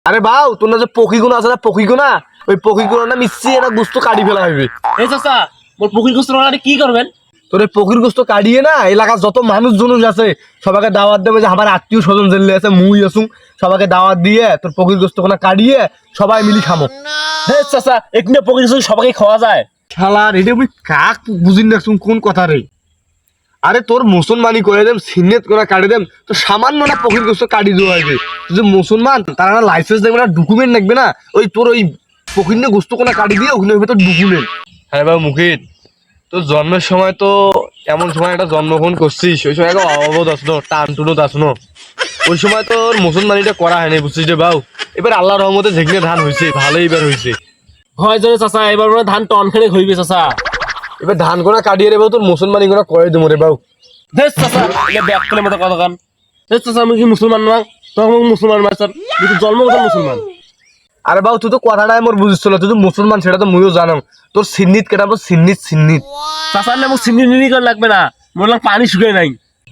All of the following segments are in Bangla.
আরে বাউ তোর না যে পক্ষীগুলো আছে না পক্ষীগুনা ওই পক্ষীগুলো না মিশিয়ে না গোস্ত কাটি ফেলা হইবে। এই চাচা মোর পুকুর গোস্ত রান্নাটা কি করবেন? তোর এই পক্ষীর গোস্ত কাটিয়ে না এলাকার যত মানুষ জনুষ আছে সবাইকে দাওয়াত দেবে যে আমার আত্মীয় স্বজন জেলে আছে মুই আসুন সবাইকে দাওয়াত দিয়ে তোর পক্ষীর গোস্ত কোনা কাটিয়ে সবাই মিলি খামো। হ্যাঁ চাচা এখানে পুকুর গোস্ত সবাইকে খাওয়া যায়। শালার এটা আমি কাক বুঝিন দেখছুন কোন কথা রে। আরে তোর মুসলমানি করে দেম সিন্নেত করে কাটি দেম তো সামান্য না পক্ষীর গোস্ত কাটি দেওয়া হয়েছে যে মুসলমান তারা না লাইসেন্স দেখবে না ডকুমেন্ট দেখবে না ওই তোর ওই পক্ষীর গোস্ত কোনা কাটি দিয়ে ওখানে হইবে তোর ডকুমেন্ট। হ্যাঁ বাবু মুখিত তোর জন্মের সময় তো এমন সময় একটা জন্মগ্রহণ করছিস ওই সময় অবধ আসনো টান টুনত আসনো ওই সময় তোর মুসলমানিটা করা হয়নি বুঝছিস রে বাবু। এবার আল্লাহ রহমতে যেখানে ধান হয়েছে ভালোই এবার হয়েছে। হয় জোরে চাচা এবার মনে হয় ধান টন খেলে হইবে চাচা। এবার ধান গোনা কাটিয়ে রে বাবু তোর মুসলমানি গোনা করে দেবো রে বাবু। দেশ চাচা এটা ব্যাক করে মতো কথা কান। দেশ চাচা আমি কি মুসলমান না তখন মুসলমান মাস্টার কিন্তু জন্মগত মুসলমান। আরে বাবু তুই তো কথাটাই মোর বুঝছিল তুই তো মুসলমান সেটা তো মুইও জানো তোর সিন্নিত কেটাবো সিন্নিত সিন্নিত। চাচার নাম চিনি নিনি করে লাগবে না মোর লাগ পানি শুকাই নাই।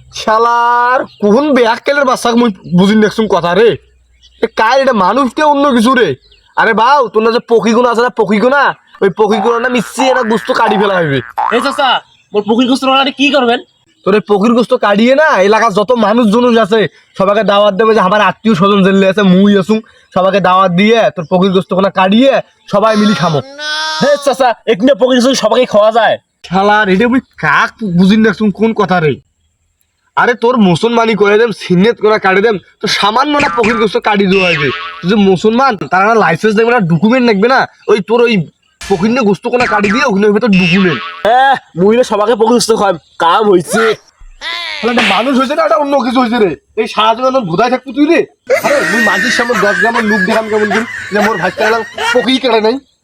শালার কোন বেয়াক কেলের বাচ্চা মুই বুঝিন দেখছুন কথা রে কার এটা মানুষকে অন্য কিছু রে। আরে বাউ তোর না যে পক্ষীগুলো আছে না পক্ষীগুনা ওই পক্ষীগুলো না মিশিয়ে না গোস্ত কাটি ফেলা হইবে। এই চাচা মোর পুকুর গোস্ত রান্নাটা কি করবেন? তোর এই পক্ষীর গোস্ত কাটিয়ে না এলাকার যত মানুষ জনুষ আছে সবাইকে দাওয়াত দেবে যে আমার আত্মীয় স্বজন জেলে আছে মুই আসুন সবাইকে দাওয়াত দিয়ে তোর পক্ষীর গোস্ত কোনা কাটিয়ে সবাই মিলি খামো। হ্যাঁ চাচা এখানে পুকুর গোস্ত সবাইকে খাওয়া যায়। শালার এটা আমি কাক বুঝিন দেখছুন কোন কথা রে। আরে তোর মুসলমানি করে দেম সিন্নেত করে কাটি দেম তো সামান্য না পক্ষীর গোস্ত কাটি দেওয়া হয়েছে যে মুসলমান তারা না লাইসেন্স দেখবে না ডকুমেন্ট দেখবে না ওই তোর ওই পক্ষীর গোস্ত কোনা কাটি দিয়ে ওখানে হইবে তোর ডকুমেন্ট। হ্যাঁ মুইলে সবাইকে পুকুর গোস্ত খাম কাম হয়েছে। মানুষ হয়েছে না এটা অন্য কিছু হয়েছে রে এই সারা জীবন ভুদায় থাকবো তুই রে। আরে মুই মাঝির সামনে 10 গ্রামের লোক দেখাম কেমন করি যে মোর ভাই পক্ষী কেটে নাই।